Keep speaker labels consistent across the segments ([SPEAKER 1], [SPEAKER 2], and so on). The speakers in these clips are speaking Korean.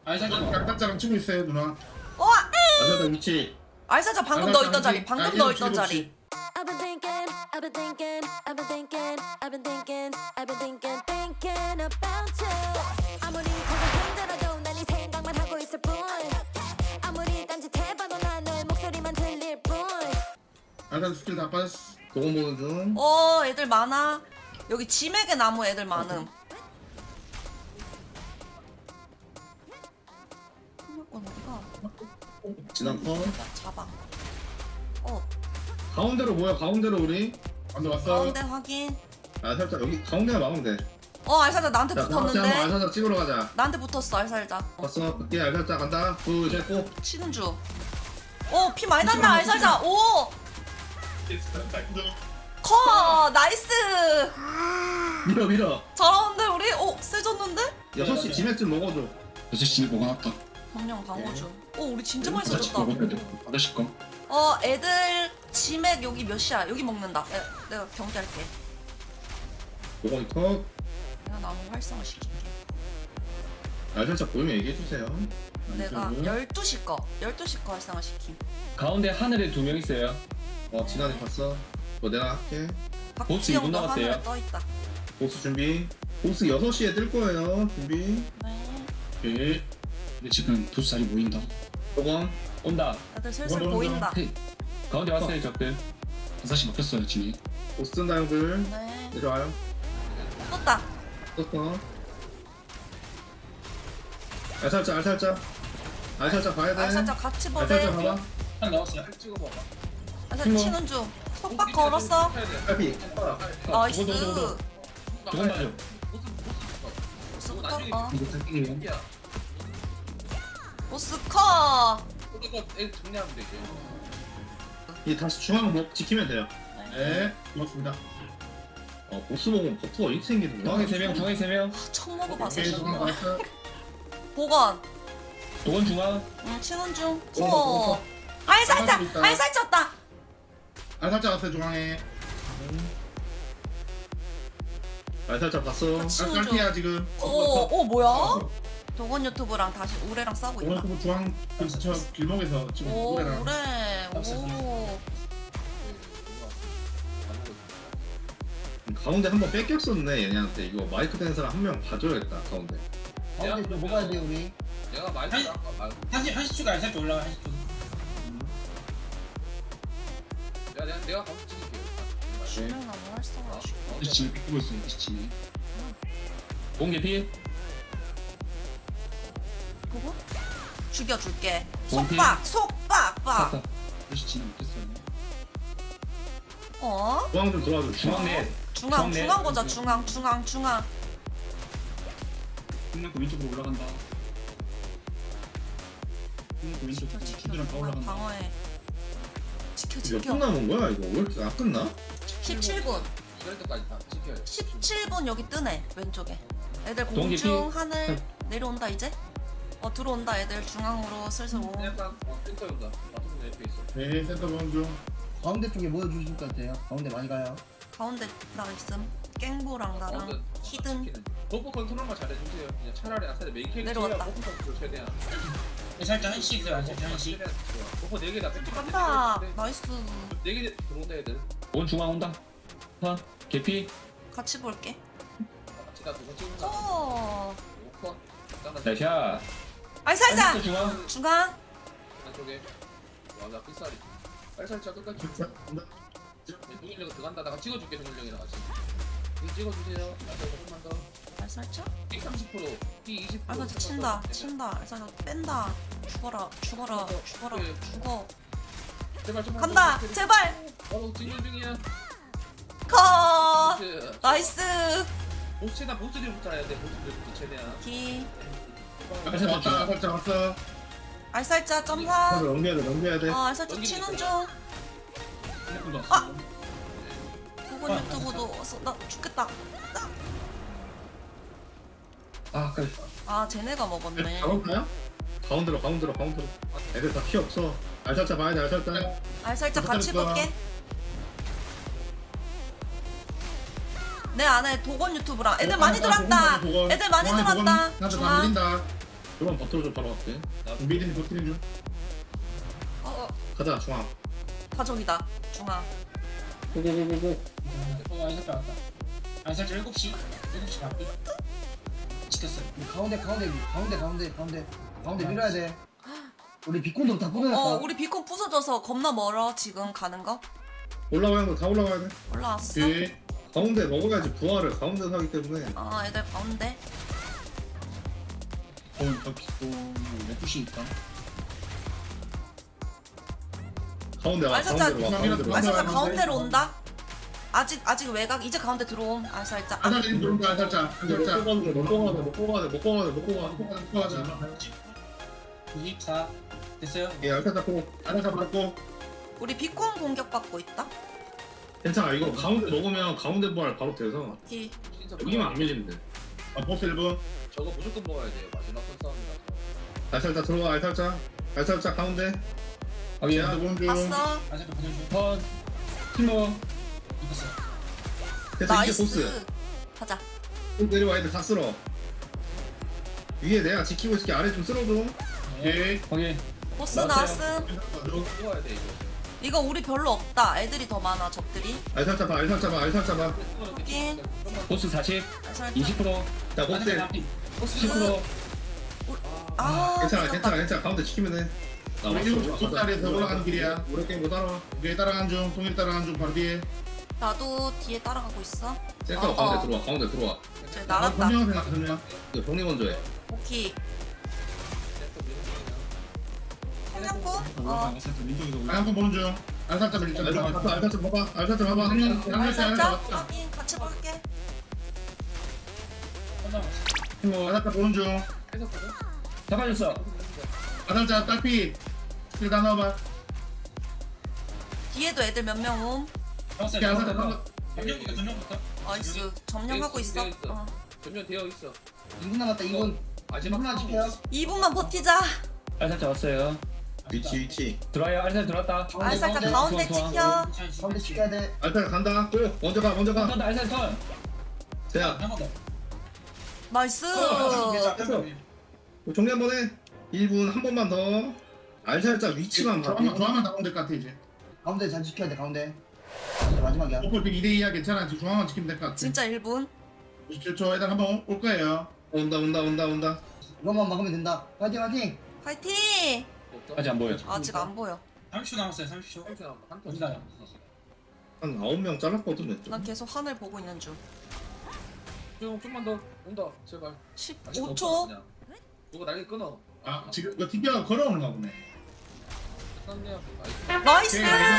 [SPEAKER 1] 알살짝 치고 있어요 누나.
[SPEAKER 2] 어!
[SPEAKER 1] 알살짝 위치.
[SPEAKER 2] 알사자 방금
[SPEAKER 1] 알살짝
[SPEAKER 2] 넣어있던 자리.
[SPEAKER 1] 위치.
[SPEAKER 2] 방금
[SPEAKER 1] 일곱 시,
[SPEAKER 2] 넣어있던
[SPEAKER 1] 일곱
[SPEAKER 2] 자리.
[SPEAKER 1] 시.
[SPEAKER 3] I've been thinking, I've been thinking, I've been thinking, I've been thinking, I've been thinking, thinking about you. 아무리 고개 힘들어도 난 이 생각만 하고 있을 뿐. 아무리 딴짓해봐도 난 너의 목소리만 들릴 뿐.
[SPEAKER 1] 알살짝 스킬 다 빠졌어. 도움 보는 중.
[SPEAKER 2] 애들 많아. 여기 지맥의 나무 애들 많음. 한명건 어디가?
[SPEAKER 1] 지난 컷.
[SPEAKER 2] 나 잡아.
[SPEAKER 1] 가운데로 모여. 가운데로 우리. 가운데 왔어.
[SPEAKER 2] 가운데 확인.
[SPEAKER 1] 알살짝 여기 가운데만 막으면 돼.
[SPEAKER 2] 알살자 나한테
[SPEAKER 1] 자, 다 같이 한번
[SPEAKER 2] 붙었는데.
[SPEAKER 1] 알살짝 찍으러 가자.
[SPEAKER 2] 나한테 붙었어 알살자.
[SPEAKER 1] 봤어. 그때 알살짝 간다. 둘, 셋, 고.
[SPEAKER 2] 치는 중. 피 많이 난다 알살자. 오! 커! 나이스!
[SPEAKER 1] 밀어 밀어.
[SPEAKER 2] 잘하는데 우리? 세졌는데?
[SPEAKER 1] 6시 지맥 먹어줘.
[SPEAKER 4] 6시 먹어놨다.
[SPEAKER 2] 방영 방어중. 우리 진짜 많이
[SPEAKER 4] 다시
[SPEAKER 2] 써줬다.
[SPEAKER 4] 먹어야 돼. 아저씨 거.
[SPEAKER 2] 애들 지맥 여기 몇 시야? 여기 먹는다. 내가 경기할게.
[SPEAKER 1] 요건 컷.
[SPEAKER 2] 내가 나무 활성화 시킬게.
[SPEAKER 1] 알살짝 보이면 얘기해주세요.
[SPEAKER 2] 내가 12시 거 12시 거 활성화 시킴.
[SPEAKER 5] 가운데 하늘에 2명 있어요.
[SPEAKER 1] 지난해 봤어. 내가 할게.
[SPEAKER 5] 보스 이분
[SPEAKER 2] 박지영도
[SPEAKER 5] 남았대요.
[SPEAKER 2] 하늘에 떠있다.
[SPEAKER 1] 보스 준비. 보스 6시에 뜰 거예요. 준비.
[SPEAKER 2] 네.
[SPEAKER 1] 오케이.
[SPEAKER 4] 근데 지금 보스 자리 보인다.
[SPEAKER 1] 요건.
[SPEAKER 5] 온다.
[SPEAKER 2] 애들 슬슬
[SPEAKER 1] 뭐야,
[SPEAKER 2] 보인다.
[SPEAKER 4] 헤이.
[SPEAKER 5] 가운데 왔어요 적들.
[SPEAKER 4] 6시 먹혔어요 지금.
[SPEAKER 1] 보스 뜬다 형들.
[SPEAKER 2] 네.
[SPEAKER 1] 내려와요.
[SPEAKER 2] 떴다.
[SPEAKER 1] 떴어. 알살짝 알살짝. 알살짝 봐야 돼.
[SPEAKER 2] 알살짝 같이 보래.
[SPEAKER 1] 알살짝 봐봐.
[SPEAKER 4] 한 나왔어요.
[SPEAKER 2] 알살짝 치는 중. 속박 걸었어.
[SPEAKER 1] 빨리.
[SPEAKER 2] 나이스.
[SPEAKER 5] 두번 맞아.
[SPEAKER 2] 보스컷.
[SPEAKER 4] 이거 탈게요.
[SPEAKER 2] 보스컷.
[SPEAKER 1] 이 다시 중앙 목 지키면 돼요. 네. 고맙습니다. 보스 먹으면 버터가 이렇게 생기는구나.
[SPEAKER 5] 중앙에 3명, 중앙에 3명.
[SPEAKER 2] 처음 먹어봤어.
[SPEAKER 1] 오케이, 중앙 봤어.
[SPEAKER 2] 보건.
[SPEAKER 5] 도건 중앙.
[SPEAKER 2] 치는 중.
[SPEAKER 1] 어.
[SPEAKER 2] 알살짝.
[SPEAKER 1] 있다.
[SPEAKER 2] 알살쪘다.
[SPEAKER 1] 알살짝 왔어요 중앙에. 알살짝 봤어.
[SPEAKER 2] 치는
[SPEAKER 1] 깔피야 지금.
[SPEAKER 2] 뭐야? 도건 유튜브랑 다시 우레랑 싸우고 있다.
[SPEAKER 1] 오늘 중앙 저 길목에서 지금 노래랑.
[SPEAKER 2] 우레.
[SPEAKER 1] 가운데 한 번 뺏겼었네 얘네한테. 이거 마이크 된 사람 한 명 봐줘야겠다 가운데.
[SPEAKER 6] 가운데 좀 먹어야 돼 우리.
[SPEAKER 7] 내가 많이 한시 추가 살짝 올라가 한시 추가. 내가 가서 찍을게요.
[SPEAKER 2] 주명 나무 활성화.
[SPEAKER 4] 다시 지금 뺏기고 있어요. 다시 지금.
[SPEAKER 5] 공개 피.
[SPEAKER 2] 그거? 죽여줄게.
[SPEAKER 5] 원피.
[SPEAKER 2] 속박.
[SPEAKER 5] 샀다.
[SPEAKER 4] 다시 지금 먹혔어요.
[SPEAKER 1] 중앙 좀 도와줘.
[SPEAKER 5] 중앙 넷.
[SPEAKER 2] 중앙
[SPEAKER 5] 네.
[SPEAKER 2] 보자. 중앙.
[SPEAKER 4] 끝났고 왼쪽으로 올라간다. 끝났고 왼쪽으로 친구랑 다 올라간다.
[SPEAKER 2] 방어해.
[SPEAKER 1] 이거
[SPEAKER 2] 지켜.
[SPEAKER 1] 끝나는 거야 이거? 왜 이렇게 안 끝나?
[SPEAKER 2] 17분.
[SPEAKER 7] 이럴 때까지 다 지켜야 돼.
[SPEAKER 2] 17분 여기 뜨네 왼쪽에. 애들
[SPEAKER 5] 동기
[SPEAKER 2] 공중 하늘 내려온다 이제. 들어온다 애들 중앙으로 슬슬 오.
[SPEAKER 7] 약간 센터 온다. 맞춰서 내 옆에 있어.
[SPEAKER 1] 네 센터 보는 중.
[SPEAKER 6] 가운데 쪽에 모여주실 것 같아요. 가운데 많이 가요.
[SPEAKER 2] 가운데 나 있음. 깽보랑 나랑 히든.
[SPEAKER 7] 버프 컨트롤만 잘해주세요. 그냥 차라리 아싸리 메인 캐릭터
[SPEAKER 2] 내려왔다.
[SPEAKER 7] 버프 컨트롤 최대한. 살짝 한시 있어요. 살짝 한시. 버프 4개다.
[SPEAKER 2] 간다. 나이스.
[SPEAKER 7] 4개 들어온다 애들.
[SPEAKER 5] 도건 중앙 온다. 하. 개피.
[SPEAKER 2] 같이 볼게.
[SPEAKER 7] 같이 나 두번 찍는다. 오커.
[SPEAKER 5] 나이샤.
[SPEAKER 2] 알살자.
[SPEAKER 5] 중앙.
[SPEAKER 2] 중앙.
[SPEAKER 7] 안쪽에. 와나 삐싸리. 빨살짝 끝까지.
[SPEAKER 1] 진짜 간다.
[SPEAKER 7] 동일령 들어간다. 나가 찍어줄게 동일령이랑 같이. 이 찍어주세요. 나도 조금만 더.
[SPEAKER 2] 알살자.
[SPEAKER 7] 이 30%, 이 20%.
[SPEAKER 2] 알살자 친다. 알살자 뺀다. 죽어라. 죽어.
[SPEAKER 7] 제발 좀
[SPEAKER 2] 간다. 제발.
[SPEAKER 7] 바로 진행 중이야.
[SPEAKER 2] 컷.
[SPEAKER 7] 보스.
[SPEAKER 2] 나이스.
[SPEAKER 7] 보스 최대한 보스들부터 해야 돼. 보스들부터 최대한.
[SPEAKER 2] 기.
[SPEAKER 1] 알살짝 왔어.
[SPEAKER 2] 알살자 점사.
[SPEAKER 1] 넘겨야 돼.
[SPEAKER 2] 알살자 치는 중.
[SPEAKER 4] 끝났고
[SPEAKER 2] 아! 도건 유튜브도 왔어. 나 죽겠다.
[SPEAKER 5] 그래.
[SPEAKER 2] 쟤네가 먹었네.
[SPEAKER 1] 가볼까요? 가운데로. 애들 다 피 없어. 알살짝 봐야 돼. 알살짝.
[SPEAKER 2] 알살짝 같이
[SPEAKER 1] 기다렸어.
[SPEAKER 2] 볼게. 내 안에 도건 유튜브랑 애들 많이 들어왔다. 애들 많이 들어왔다.
[SPEAKER 1] 나도 다
[SPEAKER 2] 중앙.
[SPEAKER 1] 밀린다. 그럼 버터로 좀 바로 갈게.
[SPEAKER 4] 미드니 버티는 중.
[SPEAKER 1] 가자 중앙.
[SPEAKER 2] 파종이다. 중앙.
[SPEAKER 1] 고고고고고.
[SPEAKER 4] 아이살짝 왔다. 아이살짝 7시. 7시 갈게. 지켰어요.
[SPEAKER 6] 가운데 밀어야 돼. 우리 비콘도 다 끊어놨다.
[SPEAKER 2] 우리 비콘 부서져서 겁나 멀어 지금 가는 거.
[SPEAKER 1] 올라가야 돼. 다 올라가야 돼.
[SPEAKER 2] 올라왔어.
[SPEAKER 1] 뒤. 가운데 먹어야지 부활을 가운데 사기 때문에.
[SPEAKER 2] 애들 가운데.
[SPEAKER 4] 저 비고 12시 있다.
[SPEAKER 1] 가운데 와.
[SPEAKER 2] 알살짝
[SPEAKER 1] 가운데로 와. 가운데로 와.
[SPEAKER 2] 알살짝 가운데로 온다. 아직 외곽 이제 가운데 들어옴. 알살짝.
[SPEAKER 4] 아이살짝 들어온다. 아이살짝. 아이살짝.
[SPEAKER 1] 먹고 가자.
[SPEAKER 4] 24 됐어요?
[SPEAKER 1] 예, 알타 잡고. 알타 잡고.
[SPEAKER 2] 우리 비콘 공격 받고 있다.
[SPEAKER 1] 괜찮아. 이거 가운데 먹으면 가운데 부활 바로 돼서
[SPEAKER 2] 오케이.
[SPEAKER 7] 진짜
[SPEAKER 1] 여기만 안 밀리면 돼.
[SPEAKER 4] 보스 1분.
[SPEAKER 7] 저거 무조건 먹어야 돼요. 마지막 선 싸움이라서.
[SPEAKER 1] 알살짝 들어와. 알살짝 가운데.
[SPEAKER 5] 확인.
[SPEAKER 1] 야, 본 중.
[SPEAKER 2] 봤어.
[SPEAKER 4] 아이살짝 보내줘.
[SPEAKER 5] 턴. 팀워.
[SPEAKER 4] 이겼어.
[SPEAKER 1] 됐어. 이제
[SPEAKER 2] 나이스.
[SPEAKER 1] 보스.
[SPEAKER 2] 가자.
[SPEAKER 1] 또 내려와. 애들 다 쓸어. 위에 내가 지키고 있을게. 아래 좀 쓸어줘.
[SPEAKER 4] 예.
[SPEAKER 5] 확인.
[SPEAKER 2] 보스
[SPEAKER 5] 나왔어요.
[SPEAKER 2] 나왔음.
[SPEAKER 7] 먹어야 돼 이거.
[SPEAKER 2] 이거 우리 별로 없다. 애들이 더 많아 적들이.
[SPEAKER 1] 알살짝 봐.
[SPEAKER 2] 확인.
[SPEAKER 5] 보스 40.
[SPEAKER 2] 알살짝.
[SPEAKER 5] 20%.
[SPEAKER 1] 자, 보스.
[SPEAKER 2] 보스.
[SPEAKER 5] 10%.
[SPEAKER 1] 괜찮아. 가운데 지키면 돼.
[SPEAKER 4] 우리 7시에서 올라가는 길이야.
[SPEAKER 1] 오래 게임 못 알아.
[SPEAKER 4] 위에 따라가는 중. 동일 따라가는 중. 바로 뒤에.
[SPEAKER 2] 나도 뒤에 따라가고 있어.
[SPEAKER 1] 센터 가운데 들어와.
[SPEAKER 2] 쟤 날았다.
[SPEAKER 4] 선명 생각 선명.
[SPEAKER 1] 이거 정리 먼저 해.
[SPEAKER 2] 오케이. 성냥포?
[SPEAKER 4] 아이살짝 왼쪽에서 올라. 한번 보는 중. 아이살짝 밀자.
[SPEAKER 1] 알살짝 봐봐.
[SPEAKER 2] 살짝 확인 같이 볼게.
[SPEAKER 5] 팀워.
[SPEAKER 4] 아이살짝 보는 중.
[SPEAKER 7] 했었거든.
[SPEAKER 5] 잡아줬어.
[SPEAKER 4] 아이살짝 딸피. 스킬 다 넣어봐.
[SPEAKER 2] 뒤에도 애들 몇 명 옴.
[SPEAKER 4] 오케이, 아이살짝 넣어.
[SPEAKER 2] 나이스. 점령하고 있어.
[SPEAKER 7] 전면 되어 있어.
[SPEAKER 6] 2분 남았다. 2분.
[SPEAKER 7] 마지막
[SPEAKER 6] 2분만 지켜요.
[SPEAKER 2] 2분만 버티자.
[SPEAKER 5] 알살짝 왔어요.
[SPEAKER 1] 위치.
[SPEAKER 5] 들어와요. 알살 들어왔다.
[SPEAKER 2] 알살짝 가운데
[SPEAKER 5] 좋아.
[SPEAKER 2] 찍혀.
[SPEAKER 6] 가운데 지켜야 돼.
[SPEAKER 1] 알살 간다. 또 먼저 가.
[SPEAKER 5] 턴 알살 턴.
[SPEAKER 1] 자,
[SPEAKER 2] 나이스.
[SPEAKER 1] 정리 한번 해. 1분 한 번만 더. 알살짝 위치만 봐.
[SPEAKER 4] 중앙만 나오면 될 것 같아 이제.
[SPEAKER 6] 가운데 잘 지켜야 돼. 가운데. 이제 마지막이야.
[SPEAKER 4] 오플 2대2야 괜찮아. 지금 중앙만 지키면 될 것 같아.
[SPEAKER 2] 진짜 1분.
[SPEAKER 4] 27초 애들 한번 올 거예요.
[SPEAKER 1] 온다.
[SPEAKER 6] 이것만 막으면 된다. 파이팅.
[SPEAKER 2] 화이팅.
[SPEAKER 5] 아직 안 보여.
[SPEAKER 2] 아직 안 보여.
[SPEAKER 4] 30초 남았어요. 30초.
[SPEAKER 7] 30초 남았다. 한 턴.
[SPEAKER 4] 어디가요?
[SPEAKER 1] 한 9명 잘랐거든.
[SPEAKER 2] 난 계속 하늘 보고 있는 중.
[SPEAKER 7] 좀만 더 온다. 제발.
[SPEAKER 2] 15초.
[SPEAKER 7] 누가 날개 끊어.
[SPEAKER 4] 아 지금 이거 TV가 걸어오는가 보네.
[SPEAKER 7] 끝났네요.
[SPEAKER 2] 나이스.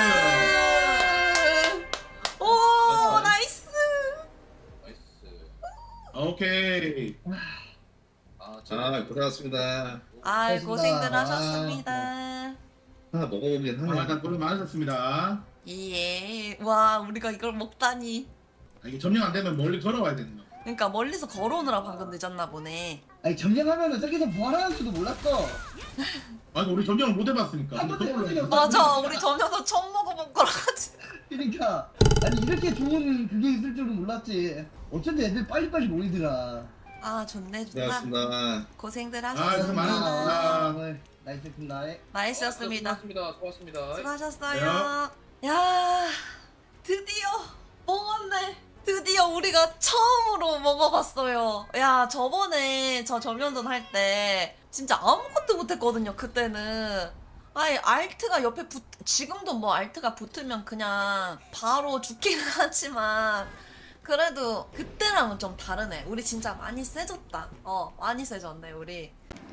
[SPEAKER 2] 오, 나이스.
[SPEAKER 7] 나이스.
[SPEAKER 4] 오케이.
[SPEAKER 1] 자, 고생하셨습니다.
[SPEAKER 2] 아,
[SPEAKER 6] 고생하셨습니다.
[SPEAKER 2] 고생들 하셨습니다.
[SPEAKER 1] 하나 먹어보긴 하네.
[SPEAKER 4] 일단 고생 많으셨습니다.
[SPEAKER 2] 예. 와, 우리가 이걸 먹다니.
[SPEAKER 4] 이게 점령 안 되면 멀리 걸어와야 되는 거.
[SPEAKER 2] 그러니까 멀리서 걸어오느라 방금 늦었나 보네.
[SPEAKER 6] 아니 점령하면은 저기서 부활하는 줄도 몰랐어.
[SPEAKER 4] 아니 우리 점령을 못 해봤으니까.
[SPEAKER 6] 한 번도 해본 적이 없어.
[SPEAKER 2] 맞아, 우리 전혀도 처음 먹어본 거라가지고.
[SPEAKER 6] 그러니까 아니 이렇게 좋은 그게 있을 줄은 몰랐지. 어쩐지 애들 빨리빨리 모이더라.
[SPEAKER 2] 아, 좋네, 좋다.
[SPEAKER 1] 고생하셨습니다.
[SPEAKER 2] 고생들
[SPEAKER 4] 고생
[SPEAKER 2] 하셨습니다.
[SPEAKER 4] 많으셨습니다.
[SPEAKER 6] 오늘 나이스입니다.
[SPEAKER 2] 나이스였습니다.
[SPEAKER 7] 수고하셨습니다.
[SPEAKER 2] 수고하셨어요. 야, 드디어 먹었네. 드디어 우리가 처음으로 먹어봤어요. 야, 저번에 저 점령전 할 때 진짜 아무것도 못했거든요. 그때는. 아니, 알트가 옆에 지금도 뭐 알트가 붙으면 그냥 바로 죽기는 하지만 그래도 그때랑은 좀 다르네. 우리 진짜 많이 세졌다. 많이 세졌네, 우리.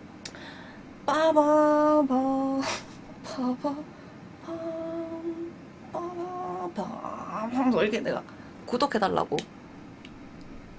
[SPEAKER 2] 빠바바 빠바밤 빠바밤 이렇게 내가 구독해달라고